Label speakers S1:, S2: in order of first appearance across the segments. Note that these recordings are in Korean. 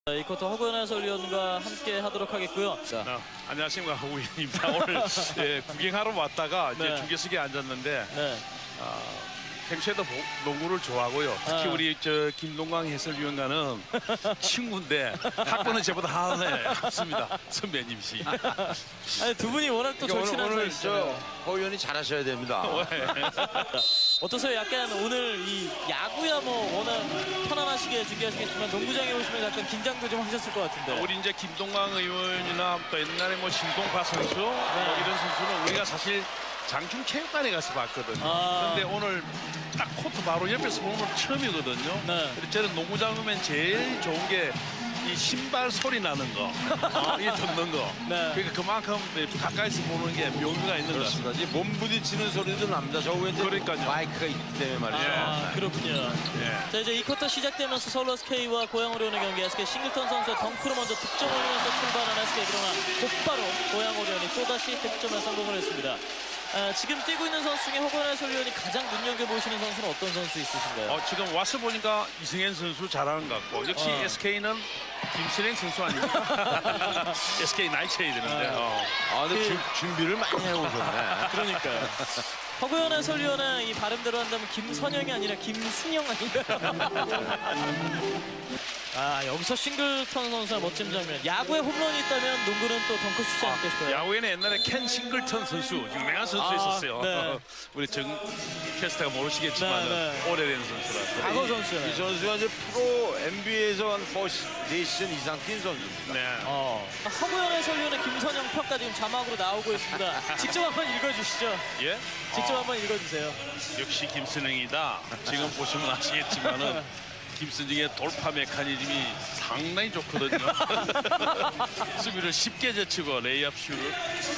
S1: 이 쿼터 허구현 해설위원과 함께 하도록 하겠고요.
S2: 안녕하십니까, 허구현입니다. 오늘 구경하러 왔다가 이제
S1: 네.
S2: 중계석에 앉았는데
S1: 네.
S2: 평소에도 농구를 좋아하고요. 특히
S1: 아.
S2: 우리 김동광 해설위원과는 친구인데 학번은 저보다 하나 없습니다. 선배님이시.
S1: 아니, 두 분이 워낙 또 절친한
S3: 오늘
S1: 사이시잖아요.
S3: 허 의원이 잘하셔야 됩니다.
S1: 어떠세요? 약간 오늘 이 야구야 뭐 워낙 편안하시게 준비하시겠지만 농구장에 오시면 약간 긴장도 좀 하셨을 것 같은데.
S2: 우리 이제 김동광 의원이나 또 옛날에 뭐 신동파 선수 뭐 이런 선수는 우리가 사실 장충체육관에 가서 봤거든요. 그런데 오늘 딱 코트 바로 옆에서 보는 건 처음이거든요.
S1: 네.
S2: 그래서 저는 농구장 오면 제일 좋은 게 이 신발 소리 나는 거, 이게 듣는 거.
S1: 네.
S2: 그러니까 그만큼 가까이서 보는 게 묘미가 있는 것 같습니다.
S3: 그렇습니다. 이 몸 부딪히는 소리도 납니다. 저 위에 이제
S2: 그러니까요.
S3: 마이크가 있기 때문에 말이죠.
S1: 아, 그렇군요.
S2: 예.
S1: 자, 이제 이 쿼터 시작되면서 서울 SK와 고양 오리온의 경기, SK 싱글턴 선수의 덩크로 먼저 득점을 하면서 출발한 SK, 그러나 곧바로 고양 오리온이 또다시 득점에 성공을 했습니다. 지금 뛰고 있는 선수 중에 허구현 해설위원이 가장 눈여겨보시는 선수는 어떤 선수 있으신가요?
S2: 지금 와서 보니까 이승현 선수 잘하는 것 같고 역시 SK는 김신행 선수 아닙니까? SK 나이쳐야 되는데.
S3: 근데 준비를 많이 해오셨네.
S1: 그러니까요. 허구현 해설위원의 이 발음대로 한다면 김선영이 아니라 김승영 아닌가요? 여기서 싱글턴 선수의 멋진 장면. 야구에 홈런이 있다면 농구는 또 덩크슛이 않을까 싶어요.
S2: 야구에는 옛날에 켄 싱글턴 선수, 유명한 선수 있었어요.
S1: 네.
S2: 우리 정 캐스터가 모르시겠지만
S1: 네.
S2: 오래된 선수라서.
S1: 과거 선수예요.
S3: 이 선수가 이제 프로 NBA에서 한 4시즌 이상 뛴 선수입니다.
S2: 네.
S1: 허구현 해설위원의 김선영 평가 지금 자막으로 나오고 있습니다. 직접 한번 읽어주시죠.
S2: 예?
S1: 직접 한번 읽어주세요.
S2: 역시 김선영이다. 지금 보시면 아시겠지만은 김선영의 돌파 메커니즘이 상당히 좋거든요. 수비를 쉽게 제치고 레이업슛이네요.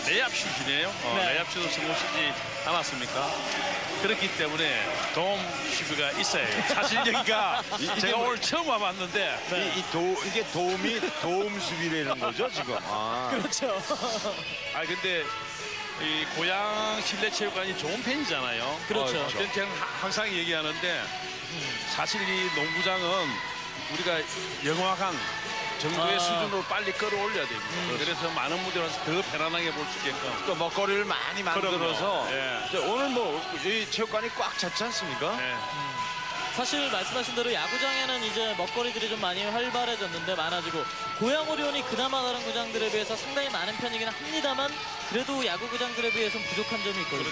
S1: 네.
S2: 레이업슛을 성공시키지 않았습니까? 그렇기 때문에 도움 수비가 있어요. 사실 여기가 제가 오늘 처음 와봤는데
S3: 이게 도움 수비라는 거죠 지금.
S1: 그렇죠.
S2: 근데 이 고양 실내체육관이 좋은 편이잖아요.
S1: 그렇죠.
S2: 저는 항상 얘기하는데 사실 이 농구장은 우리가 영화관 정도의 수준으로 빨리 끌어올려야 됩니다. 그래서 많은 분들이 와서 더 편안하게 볼 수 있게끔.
S3: 또 먹거리를 많이 만들어서
S2: 예.
S3: 이제 오늘 뭐 이 체육관이 꽉 찼지 않습니까?
S2: 네.
S1: 사실 말씀하신 대로 야구장에는 이제 먹거리들이 좀 많이 활발해졌는데 많아지고 고양 오리온이 그나마 다른 구장들에 비해서 상당히 많은 편이긴 합니다만 그래도 야구 구장들에 비해서는 부족한 점이 있거든요.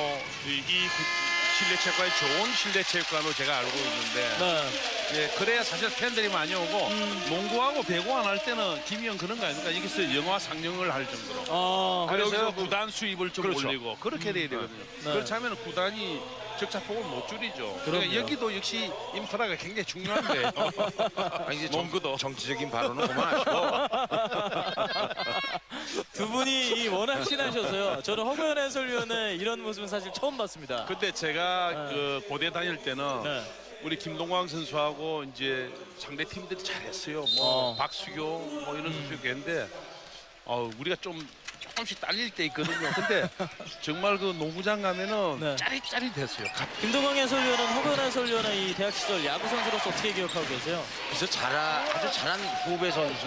S2: 이 실내체육관이 좋은 실내체육관으로 제가 알고 있는데
S1: 네.
S2: 예, 그래야 사실 팬들이 많이 오고 농구하고 배구 안 할 때는 김희영 그런 거 아닙니까? 여기서 영화 상영을 할 정도로. 그래서
S3: 그래서
S2: 구단 수입을 좀
S3: 그렇죠.
S2: 올리고 그렇게 돼야 되거든요. 그렇지 않으면 구단이 적자폭을 못 줄이죠. 그러니까 여기도 역시 인프라가 굉장히 중요한 거예요.
S3: 이제
S2: 농구도.
S3: 정치적인 발언은 그만하시고.
S1: 두 분이 워낙 친하셔서요. 저는 허구현 해설위원의 이런 모습은 사실 처음 봤습니다.
S2: 근데 제가 그 고대 다닐 때는
S1: 네.
S2: 우리 김동광 선수하고 이제 상대 팀들이 잘했어요. 뭐 박수교 뭐 이런 선수도 있는데 우리가 조금씩 딸릴 때 있거든요. 근데 정말 그 농구장 가면은
S1: 네.
S2: 짜릿짜릿했어요.
S1: 김동광 해설위원은 허구현 해설위원의 이 대학 시절 야구 선수로서 어떻게 기억하고 계세요?
S3: 그래서 아주 잘한 후배 선수.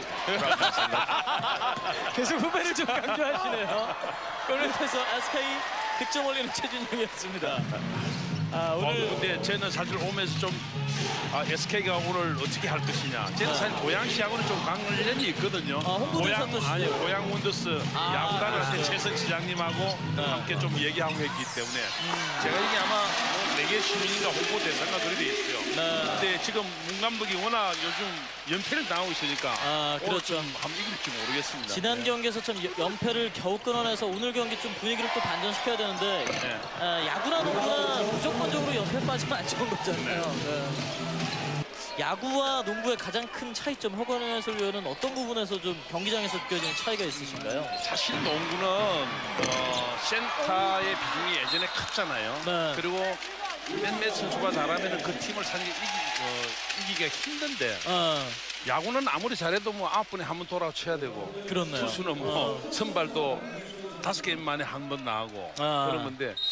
S1: 계속 후배를 좀 강조하시네요. 골밑에서 SK 득점 올리는 최준영이었습니다. 오늘
S2: 근데 저는 사실 오면서 좀 SK가 오늘 어떻게 할 것이냐. 저는 사실 고양시하고는 좀 관련이 있거든요.
S1: 홍보대사도 시죠.
S2: 고양 원더스 야구단한테
S1: 그렇죠.
S2: 최선 지장님하고 함께 좀 얘기하고 했기 때문에 제가 이게 아마 뭐 4개 시민인가 홍보대사가 그렇게 돼 있어요. 근데 지금 문 감독이 워낙 요즘 연패를 당하고 있으니까
S1: 그렇죠.
S2: 좀 한번 이길지 모르겠습니다.
S1: 지난 경기에서 참 연패를 겨우 끊어내서 오늘 경기 좀 분위기를 또 반전시켜야 되는데 야구나 농구나 무조건적으로 연패 빠지면 안 좋은 거잖아요. 네. 야구와 농구의 가장 큰 차이점 허구현 해설위원은 어떤 부분에서 좀 경기장에서 느껴지는 차이가 있으신가요?
S2: 사실 농구는 센터의 비중이 예전에 컸잖아요.
S1: 네.
S2: 그리고 몇몇 선수가 잘하면 그 팀을 사실 이기기가 힘든데 야구는 아무리 잘해도 뭐 9분에 한 번 돌아쳐야 되고
S1: 그렇네요.
S2: 투수는 뭐 선발도 5게임 만에 한 번 나가고 그러는데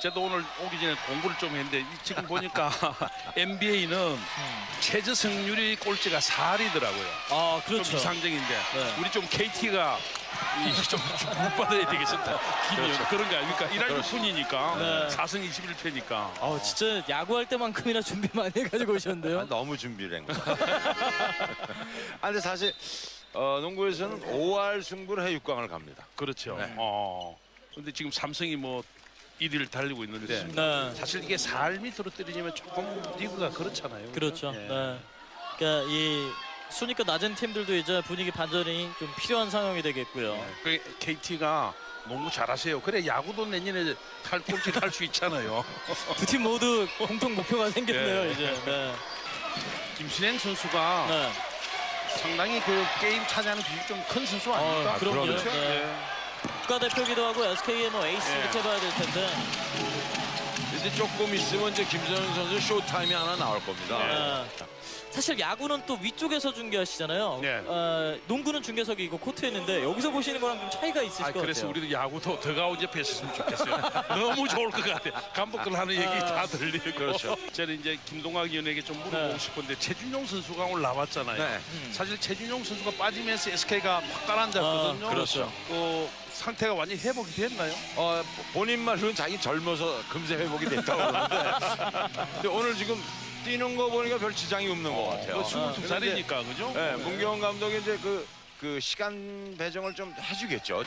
S2: 저도 오늘 오기 전에 공부를 좀 했는데 지금 보니까 NBA는 최저 승률이 꼴찌가 4할이더라고요.
S1: 아,
S2: 좀
S1: 그렇죠.
S2: 이상적인데
S1: 네.
S2: 우리 좀 KT가 좀 받아야 되겠습니다. 김이 그런 거 아닙니까? 1할 6분이니까
S1: 네.
S2: 4승 21패니까.
S1: 아, 진짜 야구할 때만큼이나 준비 많이 해가지고 오셨는데요.
S3: 너무 준비를 한 거야. 아, 근데 사실 농구에서는 5할 승부를 해 6강을 갑니다.
S2: 그렇죠.
S3: 네.
S2: 근데 지금 삼성이 뭐 1위를 달리고 있는데
S1: 네.
S2: 사실 이게 4할 밑으로 때리면 조금 리그가 그렇잖아요.
S1: 그렇죠.
S2: 예.
S1: 네. 그러니까 이 순위가 낮은 팀들도 이제 분위기 반전이 좀 필요한 상황이 되겠고요.
S2: 그 KT가 너무 잘하세요. 그래 야구도 내년에 꼴찌 할 수 있잖아요.
S1: 두 팀 모두 공통 목표가 생겼네요,
S2: 예.
S1: 이제. 네.
S2: 김신행 선수가
S1: 네.
S2: 상당히 그 게임 차지하는 비율이 좀 큰 선수 아닙니까?
S1: 그럼요.
S2: 그렇죠?
S1: 네.
S2: 예.
S1: 국가대표기도 하고 SK의 뭐 에이스
S2: 예.
S1: 이렇게 봐야 될 텐데.
S3: 이제 조금 있으면 이제 김선영 선수 쇼타임이 하나 나올 겁니다.
S1: 네. 사실 야구는 또 위쪽에서 중계하시잖아요.
S2: 네.
S1: 농구는 중계석이 있고 코트에 있는데 여기서 보시는 거랑 좀 차이가 있으실 것
S2: 그래서
S1: 같아요.
S2: 우리도 야구도 더가운데 뺐으면 좋겠어요. 너무 좋을 것 같아요. 감독들 하는 얘기 다 들리고.
S3: 그렇죠.
S2: 저는 이제 김동학 위원에게 좀 물어보고
S1: 네.
S2: 싶은데 최준용 선수가 오늘 나왔잖아요.
S3: 네.
S2: 사실 최준용 선수가 빠지면서 SK가 확 가라앉았거든요.
S3: 그렇죠.
S2: 상태가 완전히 회복이 됐나요?
S3: 본인 말로는 자기 젊어서 금세 회복이 됐다고 그러는데 근데 오늘 지금 뛰는 거 보니까 별 지장이 없는 것 같아요.
S2: 22살이니까 그죠?
S3: 네, 문경원 감독이 이제 그 시간 배정을 좀 해주겠죠.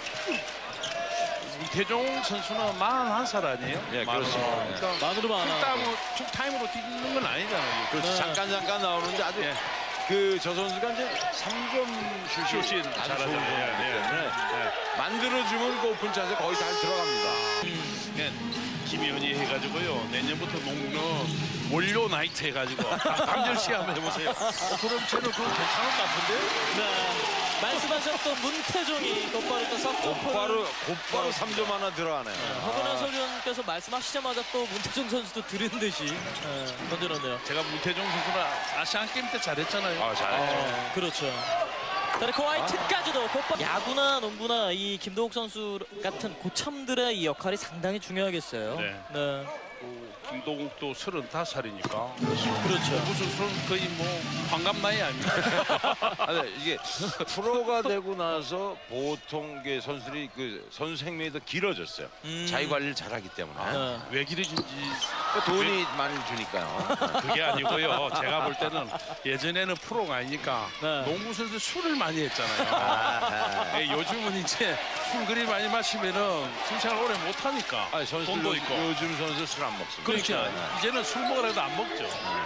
S2: 이태종 선수는 41살 아니에요?
S3: 예, 그렇습니다.
S2: 그러니까
S1: 만으로만 안 하고.
S2: 풀타임으로 뛰는 건 아니잖아요.
S3: 그렇죠.
S1: 네.
S3: 잠깐 나오는데 아주
S2: 예.
S3: 저 선수가 이제 3점 슛이
S2: 슛이
S3: 아주
S2: 잘하죠.
S3: 좋은
S2: 예,
S3: 선수이기
S2: 예.
S3: 때문에 만들어주면 그 오픈 찬스에 거의 잘 들어갑니다.
S2: 네, 김희연이 해가지고요. 내년부터 농구는 원료 나이트 해가지고 강렬시 한번 해보세요. 그럼 저는 그거 괜찮을 것 같은데?
S1: 네. 말씀하셨던 문태종이 곧바로 또 석점포를
S3: 곧바로 3점 하나 들어가네요.
S1: 허근한 소위원께서 말씀하시자마자 또 문태종 선수도 들은 듯이 던져놓네요.
S2: 제가 문태종 선수는 아시안 게임 때 잘했잖아요.
S3: 잘했죠.
S1: 그렇죠. 다리코 화이트까지도 곧바로 야구나 농구나 이 김동욱 선수 같은 고참들의 이 역할이 상당히 중요하겠어요.
S2: 네. 김동욱도 35살이니까
S1: 그렇죠.
S2: 무슨 선수 거의 뭐 환갑 나이 아닙니까?
S3: 아니, 이게 프로가 되고 나서 보통 게 선수들이 그 선수 생명이 더 길어졌어요. 자기 관리를 잘하기 때문에
S1: 네.
S2: 왜 길어진지
S3: 돈이 많이 주니까요.
S2: 그게 아니고요. 제가 볼 때는 예전에는 프로가 아니니까
S1: 네.
S2: 농구 선수 술을 많이 했잖아요.
S3: 아하.
S2: 네, 요즘은 이제 술 그리 많이 마시면은 순찰 오래 못 하니까
S3: 아니, 선수들
S2: 돈도 있고.
S3: 요즘 선수 술 안 먹습니다.
S2: 그렇죠. 이제는 술 먹으라 해도 안 먹죠.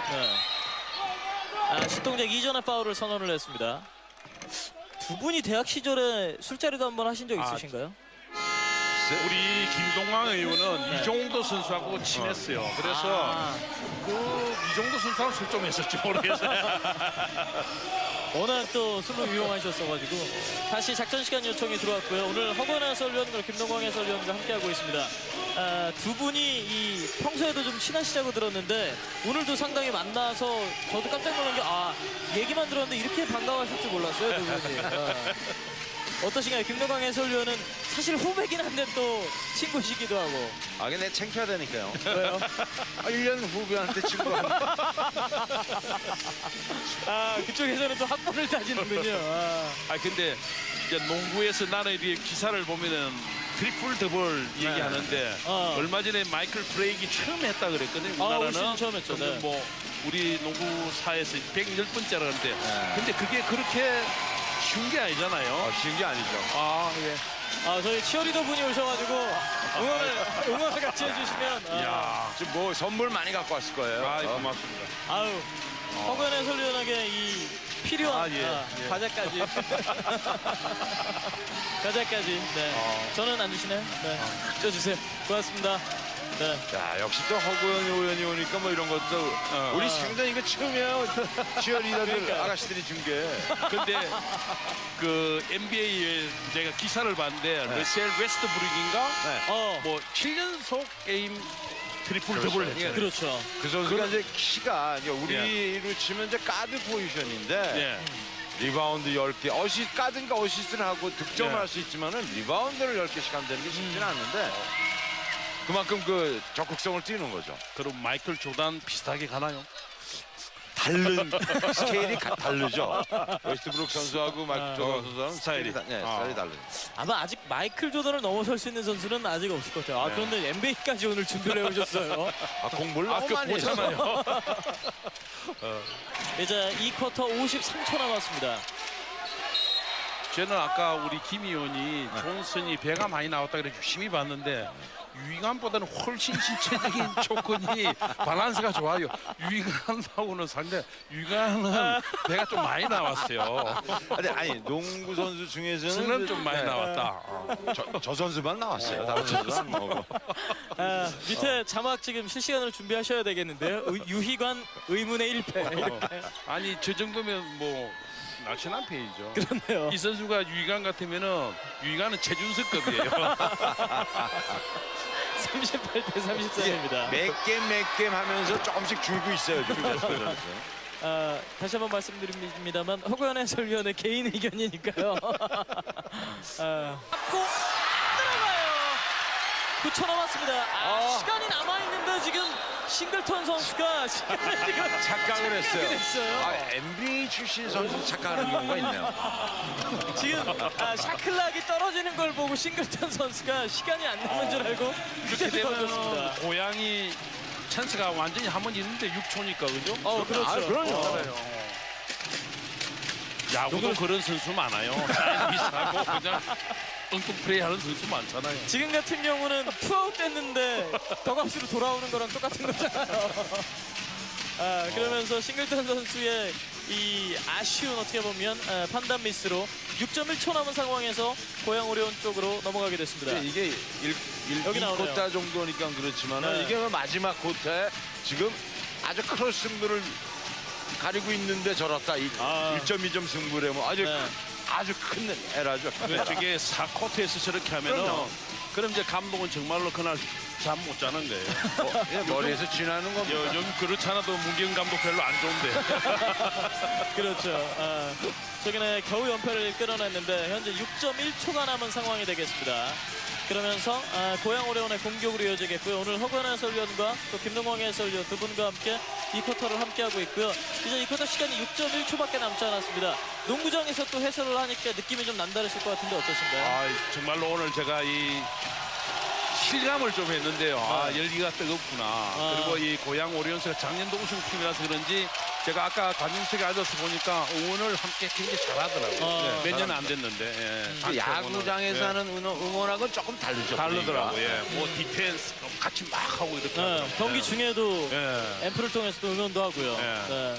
S1: 네. 신동작 이전의 파울을 선언을 했습니다. 두 분이 대학 시절에 술자리도 한번 하신 적 있으신가요?
S2: 우리 김동광 의원은 이종도 선수하고 친했어요. 그래서 그 이종도 선수하고 술 좀 했었지 모르겠어요.
S1: 워낙 또 술로 유용하셨어가지고 다시 작전 시간 요청이 들어왔고요. 오늘 허건 해설위원과 김동광 해설위원과 함께하고 있습니다. 두 분이 이 평소에도 좀 친하시다고 들었는데 오늘도 상당히 만나서 저도 깜짝 놀란 게 얘기만 들었는데 이렇게 반가워하실 줄 몰랐어요, 두 분이. 어떠신가요? 김동광 해설위원은 사실 후배긴 한데 또 친구시기도 하고.
S3: 근데 창피하다니까요.
S1: 왜요?
S3: 1년 후배한테 친구한테.
S1: 그쪽에서는 또 합본을 따지는군요.
S2: 근데 이제 농구에서 나는 이렇게 기사를 보면은 트리플 더블 얘기하는데 얼마 전에 마이클 브레이크 처음 했다 그랬거든요.
S1: 올 시즌 처음 했죠.
S2: 근데
S1: 네.
S2: 뭐 우리 농구사에서 110번째라 그러는데 근데 그게 그렇게 쉬운 게 아니잖아요.
S3: 쉬운 게 아니죠.
S2: 예.
S1: 저희 치어리더 분이 오셔가지고 응원을 같이 해주시면.
S2: 이야.
S3: 지금 뭐 선물 많이 갖고 왔을 거예요.
S2: 고맙습니다.
S1: 허근 해설위원에게 이 필요한
S2: 예.
S1: 과자까지. 과자까지. 네. 저는 안 주시나요? 네. 쪄주세요. 고맙습니다. 네.
S3: 자, 역시 또 허구현 의원이 오니까 뭐 이런 것도 우리 생전 이거 처음이에요. 치어리더들
S1: 그러니까요.
S3: 아가씨들이 준 게.
S2: 근데 그 NBA에 제가 기사를 봤는데 러셀 웨스트브룩인가 뭐 7연속 게임 트리플 더블 했잖아요.
S1: 그렇죠.
S3: 그 선수가 이제 키가 이제 우리로 치면 이제 가드 포지션인데 리바운드 10개, 가든가 어시스트를 하고 득점을 할 수 있지만은 리바운드를 10개씩 한다는 게 쉽지는 않는데 그만큼 그 적극성을 띄는 거죠.
S2: 그럼 마이클 조단 비슷하게 가나요?
S3: 다른 스케일이 다르죠. 웨스트브룩 선수하고 마이클 조던 선수는 스타일이 스타일이 다르죠.
S1: 아마 아직 마이클 조던을 넘어설 수 있는 선수는 아직 없을 것 같아요. 그런데 NBA까지 오늘 준비를 해오셨어요.
S3: 공부를 너무 많이
S2: 보잖아요.
S1: 이제 2쿼터 53초 남았습니다.
S2: 저는 아까 우리 김 의원이 존슨이 배가 많이 나왔다 그래 유심히 봤는데 유이간보다는 훨씬 신체적인 조건이 밸런스가 좋아요. 유이간하고는 상대 유이간은 배가 좀 많이 나왔어요.
S3: 아니 농구 선수 중에서는
S2: 승은 좀 많이 나왔다.
S3: 저 선수만 나왔어요. 다른 선수는 안 나오고.
S1: 밑에 자막 지금 실시간으로 준비하셔야 되겠는데요. 유희관 의문의 1패. 이렇게.
S2: 아니 저 정도면 뭐 날씬한 페이죠.
S1: 그렇네요.
S2: 이 선수가 유이간 같으면은 유이간은 최준석급이에요.
S1: 38대 34입니다.
S3: 몇 게임 하면서 조금씩 줄고 있어요. 지금 웨스트 선수.
S1: 다시 한번 말씀드립니다만 허구현 해설위원의 개인 의견이니까요. 잡고 안 들어가요. 9초 남았습니다. 시간이 남아있는데 지금 싱글턴 선수가 시간을 지금
S3: 착각을 했어요.
S1: 됐어요.
S3: NBA 출신 선수 착각하는 경우가 있네요.
S1: 지금 샤클락이 떨어지는 걸 보고 싱글턴 선수가 시간이 안 남은 줄 알고
S2: 그렇게
S1: 그때 던졌습니다.
S2: 되면 고양이 찬스가 완전히 한 번 있는데 6초니까 그죠?
S1: 그렇죠.
S3: 그럼요.
S2: 야구도 그런 선수 많아요. 사이즈 비슷하고 그냥 엉뚱 플레이하는 선수 많잖아요.
S1: 지금 같은 경우는 투아웃 됐는데 더가우스로 돌아오는 거랑 똑같은 거잖아요. 그러면서 싱글턴 선수의 이 아쉬운 어떻게 보면 판단 미스로 6.1초 남은 상황에서 고양 오리온 쪽으로 넘어가게 됐습니다.
S3: 이게
S1: 여기 나오네요.
S3: 1쿼터 정도니까 그렇지만
S1: 네.
S3: 이게 마지막 쿼터에 지금 아주 크로스 승부를 가리고 있는데 저렇다. 1.2점 승부를 하면 아주 큰 에라죠.
S2: 저게 4쿼터에서 저렇게 하면은
S3: 그럼요.
S2: 그럼 이제 감독은 정말로 그날 잠 못 자는 거예요.
S3: 머리에서 지나는 겁니다.
S2: 요즘 그렇지 않아도 문경 감독 별로 안 좋은데.
S1: 그렇죠. 최근에 겨우 연패를 끌어냈는데 현재 6.1초가 남은 상황이 되겠습니다. 그러면서 고양 오레온의 공격으로 이어지겠고요. 오늘 허건 해설위원과 또 김동광 해설위원 두 분과 함께 이 쿼터를 함께하고 있고요. 이제 이 쿼터 시간이 6.1초밖에 남지 않았습니다. 농구장에서 또 해설을 하니까 느낌이 좀 남다르실 것 같은데 어떠신가요?
S2: 정말로 오늘 제가 이 실감을 좀 했는데요. 열기가 뜨겁구나. 그리고 이 고양 오리온스가 작년도 우승팀이라서 그런지 제가 아까 관중석에 앉아서 보니까 응원을 함께 굉장히 잘하더라고요. 몇 년 안 됐는데.
S3: 야구장에서 하는 응원하고는 조금 다르죠.
S2: 다르더라고요. 뭐 디펜스 같이 막 하고 이렇게 하더라고요.
S1: 경기 중에도
S2: 예.
S1: 앰프를 통해서도 응원도 하고요. 네.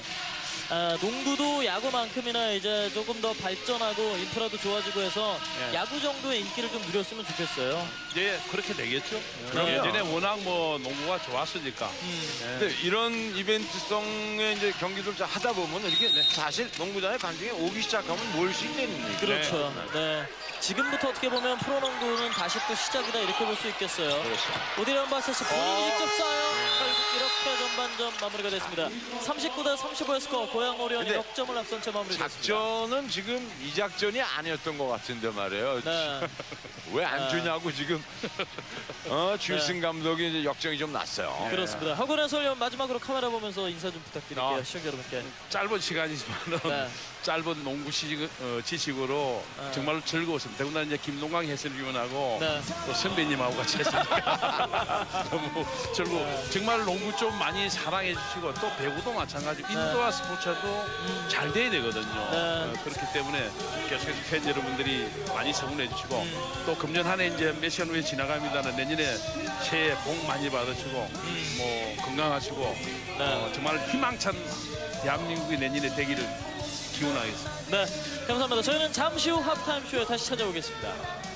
S1: 농구도 야구만큼이나 이제 조금 더 발전하고 인프라도 좋아지고 해서 야구 정도의 인기를 좀 누렸으면 좋겠어요.
S2: 이제 그렇게 되겠죠.
S3: 그럼요.
S2: 예전에 워낙 뭐 농구가 좋았으니까.
S3: 근데 이런 이벤트성의 이제 경기들 하다 보면 이렇게 사실 농구장에 관중이 오기 시작하면 모일 수 있는 얘기죠.
S1: 그렇죠. 네. 지금부터 어떻게 보면 프로농구는 다시 또 시작이다 이렇게 볼 수 있겠어요.
S3: 그렇죠.
S1: 오디리언 바세스 본인이 직접 쏴요. 결국 이렇게 전반전 마무리가 됐습니다. 39대 35의 스코어 고양 오리온이
S3: 근데
S1: 역점을 앞선 채 마무리됐습니다.
S3: 작전은 지금 이 작전이 아니었던 것 같은데 말이에요.
S1: 네.
S3: 왜 안 주냐고 지금 주일승 감독이 이제 역정이 좀 났어요.
S1: 그렇습니다. 허근 해설위원 마지막으로 카메라 보면서 인사 좀 부탁드릴게요. 시청자 여러분께.
S2: 짧은 시간이지만은
S1: 네.
S2: 짧은 농구 지식으로 정말로 즐거웠습니다. 더군다나 이제 김동광 해설위원하고
S1: 네.
S2: 또 선배님하고 같이 했으니까 너무 즐거워. 정말 농구 좀 많이 사랑해 주시고 또 배구도 마찬가지고 인도와 스포츠도 잘 돼야 되거든요.
S1: 네.
S2: 그렇기 때문에 계속해서 팬 여러분들이 많이 성원해 주시고 또 금년 한 해 이제 몇 시간 후에 지나갑니다는 내년에 새해 복 많이 받으시고 뭐 건강하시고 정말 희망찬 대한민국이 내년에 되기를 기원하겠습니다.
S1: 네, 감사합니다. 저희는 잠시 후 하프타임 쇼에 다시 찾아오겠습니다.